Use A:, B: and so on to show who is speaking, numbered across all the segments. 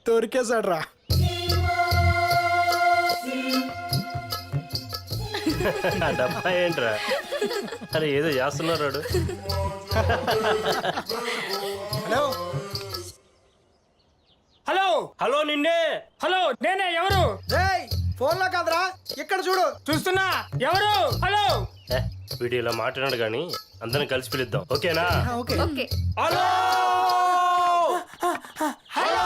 A: దొరికేశాడ్రా.
B: డబ్బా ఏంట్రా? అరే ఏదో చేస్తున్నాడు.
A: హలో
C: హలో
B: హలో నిన్నే.
C: హలో నేనే. ఎవరు?
A: రేయ్, ఫోన్ లో కాదురా, ఇక్కడ చూడు.
C: చూస్తున్నా. ఎవరు? హలో
B: వీడియోలో మాట్లాడాడు కానీ అందరం కలిసి పిలుద్దాం, ఓకేనా?
A: ఓకే.
D: ఓకే.
B: Hello hello.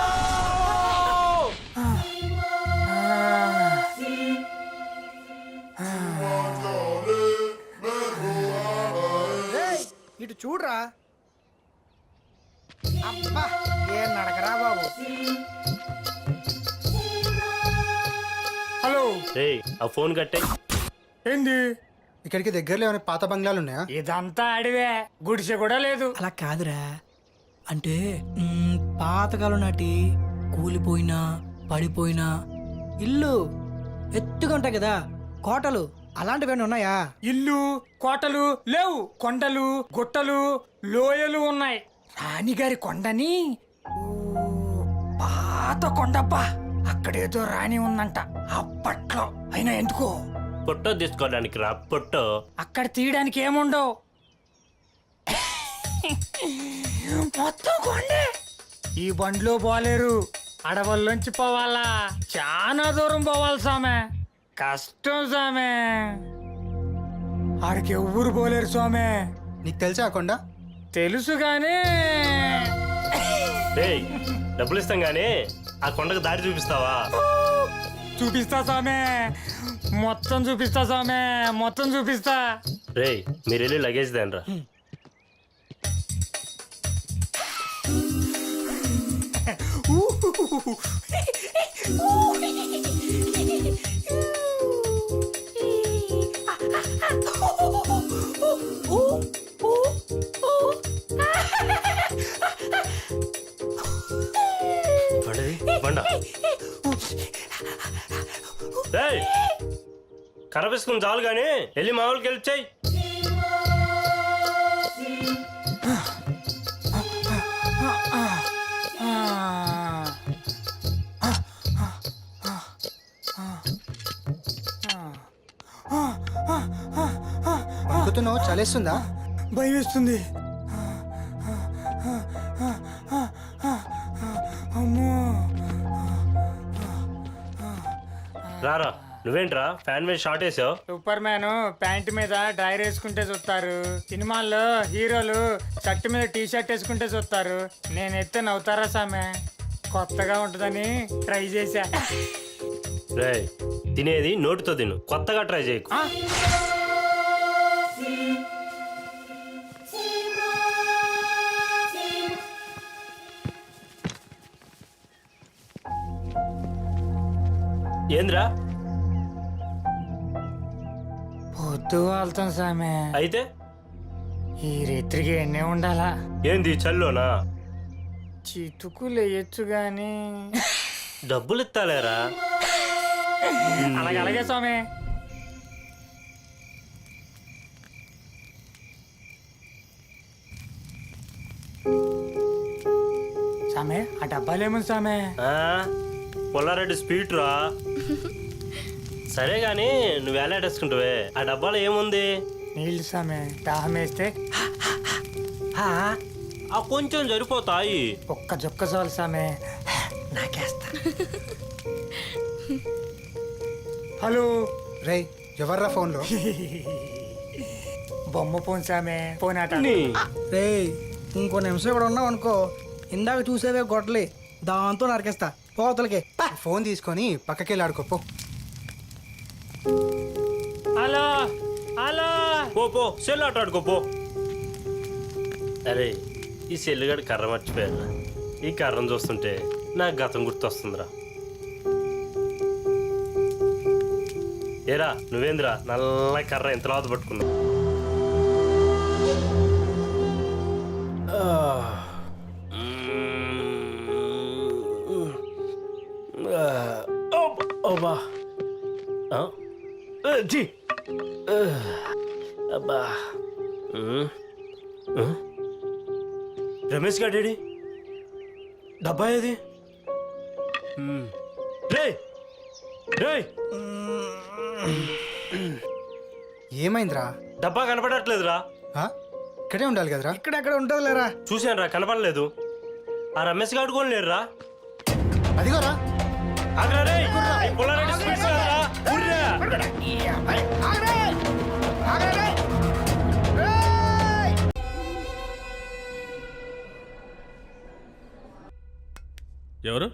A: రేయ్, ఇటు చూడురా. అబ్బా, ఏం నడకరా బాబు.
C: హలో.
B: రేయ్ ఆ ఫోన్ కట్టే.
C: ఏంది?
A: ఇక్కడికి దగ్గరలో ఏమైనా పాత బంగ్లాలు ఉన్నాయా?
C: ఇదంతా అడివే, గుడిసె కూడా లేదు.
E: అలా కాదురా, అంటే పాతకాలం నాటి కూలిపోయినా పడిపోయినా ఇల్లు ఎత్తుగా ఉంటాయి కదా, కోటలు అలాంటివి ఉన్నాయా?
C: ఇల్లు కోటలు లేవు, కొండలు గుట్టలు లోయలు ఉన్నాయి. రాణిగారి కొండని పాత కొండబ్బా, అక్కడేదో రాణి ఉందంట అప్పట్లో. అయినా ఎందుకో
B: ఫోటో తీసుకోవడానికి రా. ఫోటో
C: అక్కడ తీయడానికి ఏముండవు, మొత్తం కొండే. ఈ బండ్లో పోలేరు, అడవుల్లోంచి పోవాలా, చాలా దూరం పోవాలి సామె. కష్టం సామె, ఆడికి ఎవ్వరు పోలేరు స్వామి.
A: నీకు తెలుసా ఆ కొండ?
C: తెలుసు గానీ
B: రేయ్ డబ్బులు ఇస్తాం గానీ ఆ కొండకు దారి చూపిస్తావా?
C: చూపిస్తా సామె, మొత్తం చూపిస్తా సామె, మొత్తం చూపిస్తా.
B: రేయ్ మీరు వెళ్ళి లగేజ్ దేనరా. కర్ర వేసుకుని చాలు గానీ వెళ్ళి మా వాళ్ళకి హెల్ప్ చేయి.
A: అనుకుతున్నావు చలేస్తుందా?
C: భయం వేస్తుంది.
B: రారా. నువ్వేంట్రా ఫ్యాన్ మీద షార్ట్ వేసావు?
C: సూపర్ మ్యాన్ ప్యాంట్ మీద డ్రైర్ వేసుకుంటే చూస్తారు, సినిమాల్లో హీరోలు షర్ట్ మీద టీ షర్ట్ వేసుకుంటే చూస్తారు. నేను ఎత్తే నవ్వుతారా సామె, కొత్తగా ఉంటుందని ట్రై చేశా.
B: రేయ్ తినేది నోటితో తిను, కొత్తగా ట్రై చేయకు. ఏంద్రా?
C: పొద్దు వెళ్తాం సామె.
B: అయితే
C: ఈ రాత్రికి ఎన్నే ఉండాలా?
B: ఏంది చల్లోనా?
C: చితుకులు వేయచ్చు గాని
B: డబ్బులు ఇస్తాలేరా.
C: అలాగే స్వామి. సామె ఆ డబ్బాలేముంది సామె?
B: పుల్లారెడ్డి స్పీడ్ రా. సరే గాని నువ్వు వేలాడేసుకుంటావే, ఆ డబ్బాలో ఏముంది?
C: నీళ్ళు సామె, దాహం వేస్తే
B: ఆ కొంచెం సరిపోతాయి.
C: ఒక్క జొక్క చాలు సామె, నాకేస్తా. హలో.
A: రేయ్ ఎవర్రా ఫోన్లో?
C: బొమ్మ ఫోన్ సామె, ఫోన్ ఆట.
E: రేయ్ ఇంకో నిమిషం ఇక్కడ ఉన్నావు అనుకో, ఇందాక చూసేవే గొడ్డలి, దాంతో నరికేస్తా పోతలకి.
A: ఫోన్ తీసుకొని పక్కకి వెళ్ళి ఆడుకోపో.
C: Hello hello.
B: పో సెల్ ఆట ఆడుకోపో. అరే ఈ సెల్లుగాడు కర్ర మర్చిపోయారు. ఈ కర్రను చూస్తుంటే నాకు గతం గుర్తొస్తుందిరా. ఏరా నువ్వేంద్రా నల్ల కర్ర ఎంత లాత పట్టుకున్నావు? జీ అబ్బా. రమేష్ గాడేడి? డబ్బా ఏది? రేయ్ రేయ్
A: ఏమైందిరా?
B: డబ్బా కనపడట్లేదురా.
A: ఆ? ఇక్కడే ఉండాలి కదరా?
E: ఇక్కడెక్కడ ఉంటుంది లేరా?
B: చూశాను రా, కనపడలేదు. ఆ రమేష్ గారు కూడా లేరురా.
A: అదిగోరా.
B: ఆగ్రా రేయ్. ఈ పుల్లారెడ్డి స్వీట్స్ కాదురా. ఊర్రా.
D: ఎవరు?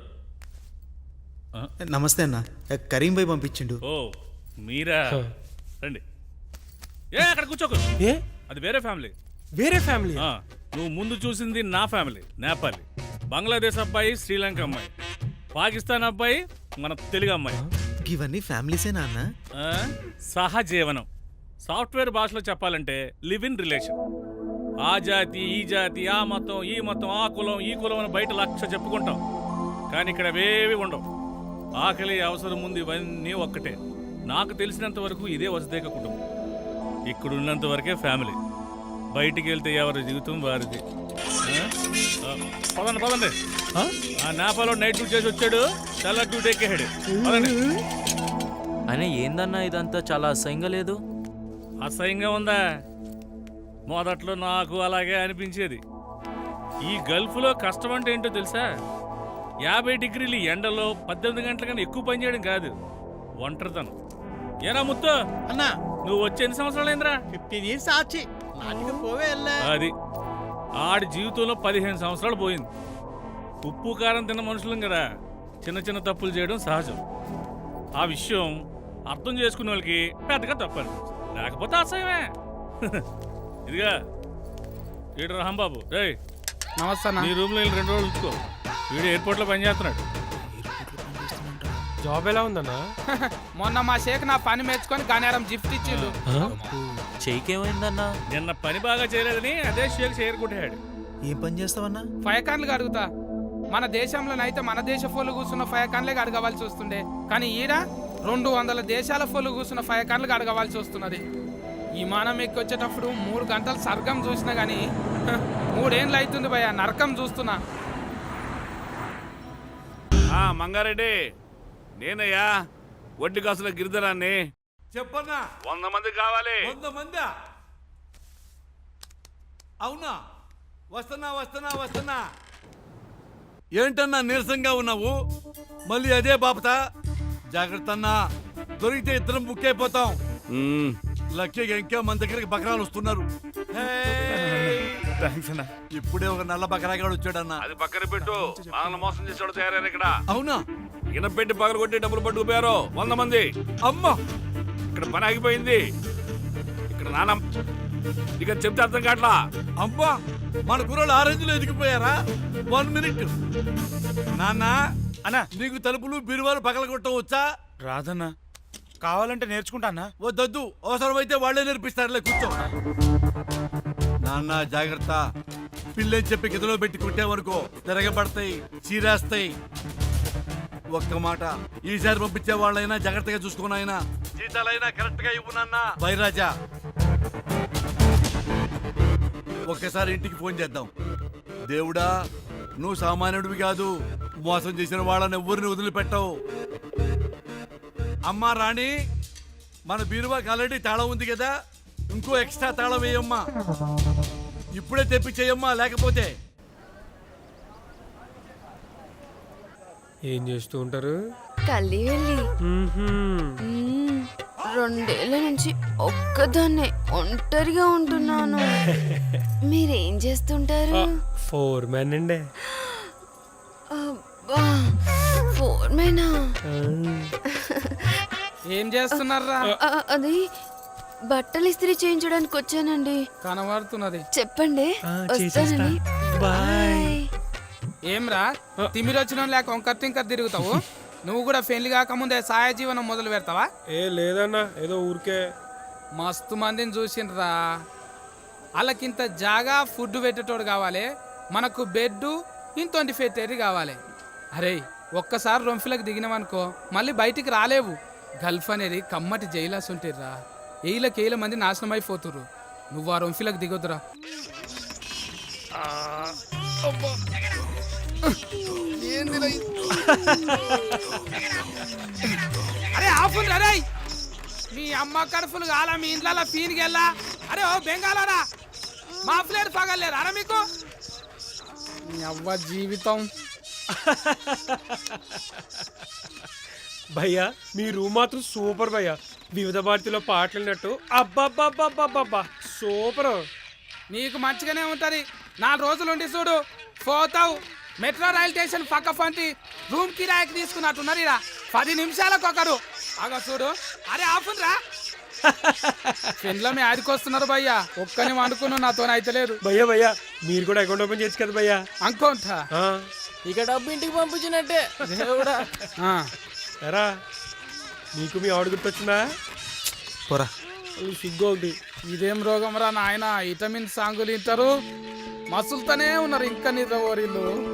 F: నమస్తే అన్న, కరీం భాయ్ పంపించిండు.
D: ఓ మీరా, రండి. ఏ అక్కడ కూర్చోకు.
G: ఏ
D: అది వేరే ఫ్యామిలీ.
G: వేరే ఫ్యామిలీ?
D: నువ్వు ముందు చూసింది నా ఫ్యామిలీ, నేపాలి. బంగ్లాదేశ్ అబ్బాయి, శ్రీలంక అమ్మాయి, పాకిస్తాన్ అబ్బాయి, మన తెలుగు అమ్మాయి.
F: ఇవన్నీ ఫ్యామిలీసేనా అన్న?
D: సహజీవనం. సాఫ్ట్వేర్ భాషలో చెప్పాలంటే లివ్ ఇన్ రిలేషన్. ఆ జాతి, ఈ జాతి, ఆ మతం, ఈ మతం, ఆ కులం, ఈ కులం అని బయట లక్ష చెప్పుకుంటాం. కానీ ఇక్కడ అవేవి ఉండవు. ఆకలి, అవసరం ముందు ఇవన్నీ ఒక్కటే. నాకు తెలిసినంత వరకు ఇదే వసుదేక కుటుంబం. ఇక్కడ ఉన్నంత వరకే ఫ్యామిలీ. బయటికి వెళ్తే ఎవరి జీవితం వారిది. పదండి పదండి. ఆ నేపాల్లో నైట్ డ్యూటీ చేసి వచ్చాడు, చాలా డ్యూటీ ఎక్కేహాడు. పదండి.
H: అయినా ఏందన్నా ఇదంతా చాలా అసహ్యంగా లేదు?
D: అసహ్యంగా ఉందా? మొదట్లో నాకు అలాగే అనిపించేది. ఈ గల్ఫ్లో కష్టం అంటే ఏంటో తెలుసా? 50 డిగ్రీలు ఎండలో 18 గంటల కన్నా ఎక్కువ పని చేయడం కాదు, ఒంటరితనం. ఏరా ముత్తు
F: అన్నా,
D: నువ్వు వచ్చే ఎన్ని సంవత్సరాలు అయిందిరా?
F: 15 years ఆచి. నాటికి పోవే వెళ్ళా.
D: అది ఆడి జీవితంలో 15 సంవత్సరాలు పోయింది. ఉప్పు కారం తిన్న మనుషులం కదా, చిన్న చిన్న తప్పులు చేయడం సహజం. ఆ విషయం అర్థం చేసుకునే వాళ్ళకి పెద్దగా తప్పని, లేకపోతే అసహ్యమే. ఇదిగా ఈడు రాంబాబు, రే
C: నమస్తే
D: నీ రూమ్లో వెళ్ళి 2 రోజులు ఉంచుకో. వీడు ఎయిర్పోర్ట్లో పనిచేస్తున్నాడు.
G: జాబ్ ఎలా ఉందన్నా?
I: మొన్న మా షేక్ నా పని మెచ్చుకొని గనేరం గిఫ్ట్ ఇచ్చిండు.
H: చెయ్యికేమైందన్నా?
D: నిన్న పని బాగా చేయలేదని అదే షేక్ షేర్ కొట్టాడు.
F: ఏం పని చేస్తావన్నా?
I: ఫైకాన్లు అడుగుతా. మన దేశంలోనైతే మన దేశ ఫోన్లు కూర్చున్న ఫైకాన్లే అడగవలసి వస్తుండే, కానీ ఈడ 200 దేశాల ఫోన్లు కూర్చున్న ఫైకాన్లు అడగవలసి వస్తున్నది. విమానం ఎక్కి వచ్చేటప్పుడు 3 గంటలు స్వర్గం చూసినా గానీ 3 ఏళ్ళు అవుతుంది భయ్యా, నరకం చూస్తున్నా.
D: మంగారెడ్డి, నేనయ్యా వడ్డీ కాసుల గిరిధరాన్ని.
J: చెప్పన్నా.
D: 100 మంది కావాలి.
J: 100 మందా? అవునా? వస్తున్నా వస్తున్నా వస్తున్నా. ఏంటన్నా నీరసంగా ఉన్నావు? మళ్ళీ అదే బాపతా? జాగ్రత్త అన్నా, దొరికితే ఇద్దరం బుక్ అయిపోతాం. లక్కీగా ఇంకా మన దగ్గరికి బకరాలు వస్తున్నారు. ఇప్పుడే ఒక నల్ల బకరాగాడు వచ్చాడన్నా.
D: అది పక్కన పెట్టు, మనల్ని మోసం చేసాడు తయారైన ఇక్కడ.
J: అవునా?
D: ఈయన పెట్టి పగలు కొట్టి డబ్బులు పట్టుకుపోయారు 100 మంది.
J: అమ్మా,
D: ఇక్కడ పని ఆగిపోయింది. ఇక్కడ నాన్న ఇక చెప్తే అర్థం కావట్లా.
J: అమ్మా, మన కుర్రోళ్ళు ఆరెంజ్లో ఎదిగిపోయారా? 1 minute నాన్న.
G: అన్నా,
J: నీకు తలుపులు బీరువాలు పగలగొట్టం వచ్చా?
G: రాదన్నా. కావాలంటే నేర్చుకుంటా అన్నా.
J: వద్దొద్దు, అవసరమైతే వాళ్ళే నేర్పిస్తారులే, కూర్చో. నాన్న జాగ్రత్త. పిల్లని చెప్పి గదిలో పెట్టి కుట్టావనుకో తిరగబడతాయి, చీరేస్తాయి. ఒక్క మాట, ఈసారి పంపించే వాళ్ళైనా జాగ్రత్తగా చూసుకున్నాయినా, జీతాలైనా కరెక్ట్ గా ఇవ్వు నాన్న. బైరాజా, ఒక్కసారి ఇంటికి ఫోన్ చేద్దాం. దేవుడా, నువ్వు సామాన్యుడివి కాదు, మోసం చేసిన వాళ్ళని ఎవ్వరిని వదిలిపెట్టవు. అమ్మా రాణి, మన బీరువాకి ఆల్రెడీ తాళం ఉంది కదా, ఇంకో ఎక్స్ట్రా తాళం వేయమ్మా. ఇప్పుడే తెప్పించేయమ్మా, లేకపోతే.
G: ఏం చేస్తూ ఉంటారు?
K: కల్లి వెళ్ళి 2 ఏళ్ల నుంచి ఒక్కదాన్నే ఒంటరిగా ఉంటున్నాను. మీరేం చేస్తుంటారు?
G: 4 men అండి.
K: అబ్బా, 4 men?
I: ఏం చేస్తున్నారా?
K: అది బట్టలు ఇస్త్రీ చేయించడానికి వచ్చానండి.
I: కనబడుతున్నది.
K: చెప్పండి,
G: చేసేస్తా.
K: వస్తానండి. బాయ్.
I: ఏమ్రా, తిమిరి వచ్చిన లేక వంకర్ తింకర్ తిరుగుతావు? నువ్వు కూడా పెళ్లి కాకముందే సాయ జీవనం మొదలు పెడతావా?
G: ఏ లేదన్నా, ఏదో ఊరికే.
I: మస్తు మందిని చూసిండ్రా. వాళ్ళకింత జాగా ఫుడ్ పెట్టేటోడు కావాలి, మనకు బెడ్ ఇంతోంటి పెట్టేది కావాలి. అరే, ఒక్కసారి రొంఫిలకు దిగినామనుకో మళ్ళీ బయటికి రాలేవు. గల్ఫ్ అనేది కమ్మటి జైలాస్ ఉంటిర్రా. ఏళ్ళకేళ్ళ మంది నాశనం అయిపోతుర్రు. నువ్వు ఆ రొంఫిలకు దిగొద్దురా. ఏంది అరే ఆఫుల్ అరే మీ అమ్మ కడుపులు కాలా మీ ఇంట్లో ఫీన్కి వెళ్ళా అరే ఓ బెంగాలరా మా ఫ్లేట్ పగలేరు అరే మీకు మీ అవ్వ జీవితం
G: భయ్యా మీ రూమ్ మాత్రం సూపర్ భయ్యా. వివిధ భారతిలో పాటలు విన్నట్టు అబ్బబ్బబ్బబ్బబ్బబ్బా సూపర్.
I: నీకు మంచిగానే ఉంటది 4 రోజులు ఉండి చూడు పోతావు. మెట్రో రైల్ స్టేషన్ పక్క పంటి రూమ్ కిరాయికి తీసుకున్నట్టున్నారు ఇలా 10 నిమిషాలకు ఒకరు అగ చూడు. అరే ఆపునరా పెండ్లమే ఆడికొస్తున్నారు భయ్యా. ఒక్కని వండుకున్నావు నాతో అయితే లేదు
G: భయ్యా భయ్యా మీరు కూడా అకౌంట్ ఓపెన్ చేయొచ్చు కదా భయ్యా.
I: అనుకోంటా
C: ఇక డబ్బు ఇంటికి పంపించినట్టే దేవుడా.
G: ఎరా నీకు మీ ఆవిడ గుర్తొచ్చిందా?
F: పోరా.
G: సిగ్గు ఒకటి.
I: ఇదేం రోగం రా నాయన. విటమిన్ సాంగులు ఇంటారు మసులుతూనే ఉన్నారు ఇంకా నిద్ర ఓరిల్లు.